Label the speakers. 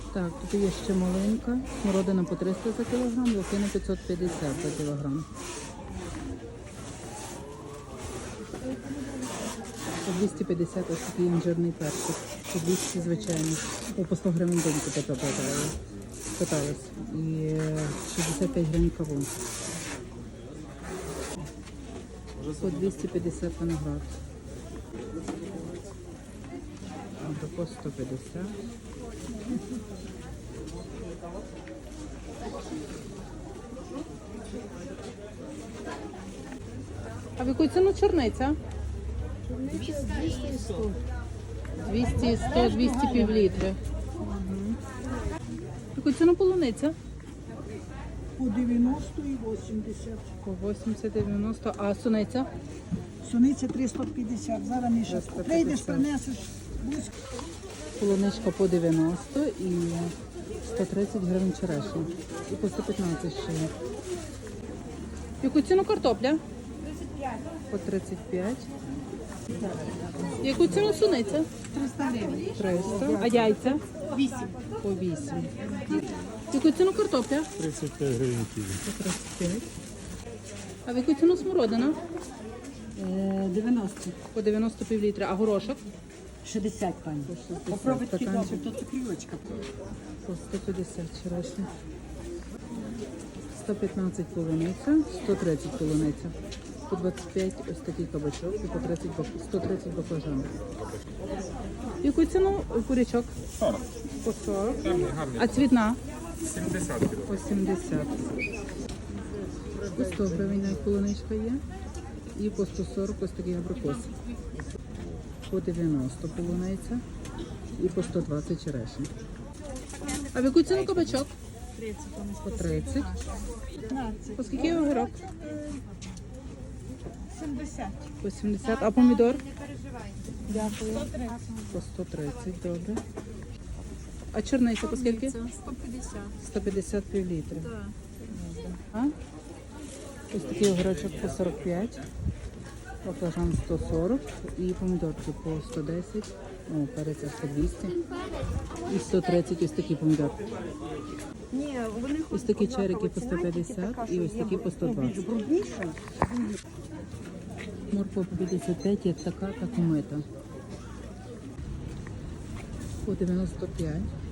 Speaker 1: Так, тут є ще маленька. Смородина по 300 за кілограм, лохина 550 за кілограм. По 250 ось такий інжирний перчик. По 200 звичайний. По 100 гривень доньку питалась. І 65 гривень кавун. По 250 виноград. По 150. А в яку ціну чорниця?
Speaker 2: 200 і 100.
Speaker 1: 200 і 100, 200 півлітри. В яку ціну полуниця?
Speaker 2: По 90 і 80.
Speaker 1: По 80-90. А суниця?
Speaker 2: Суниця 350. Зараз ми ще
Speaker 1: 350.
Speaker 2: прийдеш, принесеш близько.
Speaker 1: Полуничка по 90 і 130 гривень черешня. І по 115 ще є. В яку ціну картопля?
Speaker 2: 35.
Speaker 1: По 35. В яку ціну суниця?
Speaker 2: 300 гривень.
Speaker 1: 300. А яйця?
Speaker 2: 8.
Speaker 1: По 8. В яку ціну картопля?
Speaker 3: 35 гривень кіло.
Speaker 1: По 35. А в яку ціну смородина?
Speaker 2: 90.
Speaker 1: По 90 півлітра. А горошок?
Speaker 2: 60, пані.
Speaker 1: По 60.
Speaker 2: Попробуйте
Speaker 1: Стаканчик.
Speaker 2: добре, то цукрівочка.
Speaker 1: По 150 черешня. 115 полуниця, 130 полуниця. По 25 ось такий кабачок і по 130 баклажан. Яку ціну курячок?
Speaker 3: 40.
Speaker 1: По 40.
Speaker 3: Гарний, гарний.
Speaker 1: А цвітна?
Speaker 3: 70 кіло.
Speaker 1: По 70. По 100 гривень навіть полуничка є. І по 140 ось такий абрикос. По 90 полуниця і по 120 черешня. А в яку ціну кабачок?
Speaker 2: 30.
Speaker 1: По 30.
Speaker 2: 15.
Speaker 1: По скільки огірок?
Speaker 2: 70.
Speaker 1: По 70. А помідор?
Speaker 2: Дякую. 130.
Speaker 1: По 130, добре. А чорниця по скільки?
Speaker 2: 150.
Speaker 1: 150 півлітри.
Speaker 2: Так.
Speaker 1: А? Ось такий огірочок по 45, баклажан 140 і помідорки по 110, перець по 200 і 130 ось такі помідорки.
Speaker 2: Ні, вони
Speaker 1: Ось такі черики по 150 і ось такі по 120.
Speaker 2: брудніше.
Speaker 1: Морква по 55, є така, так умита. По 95.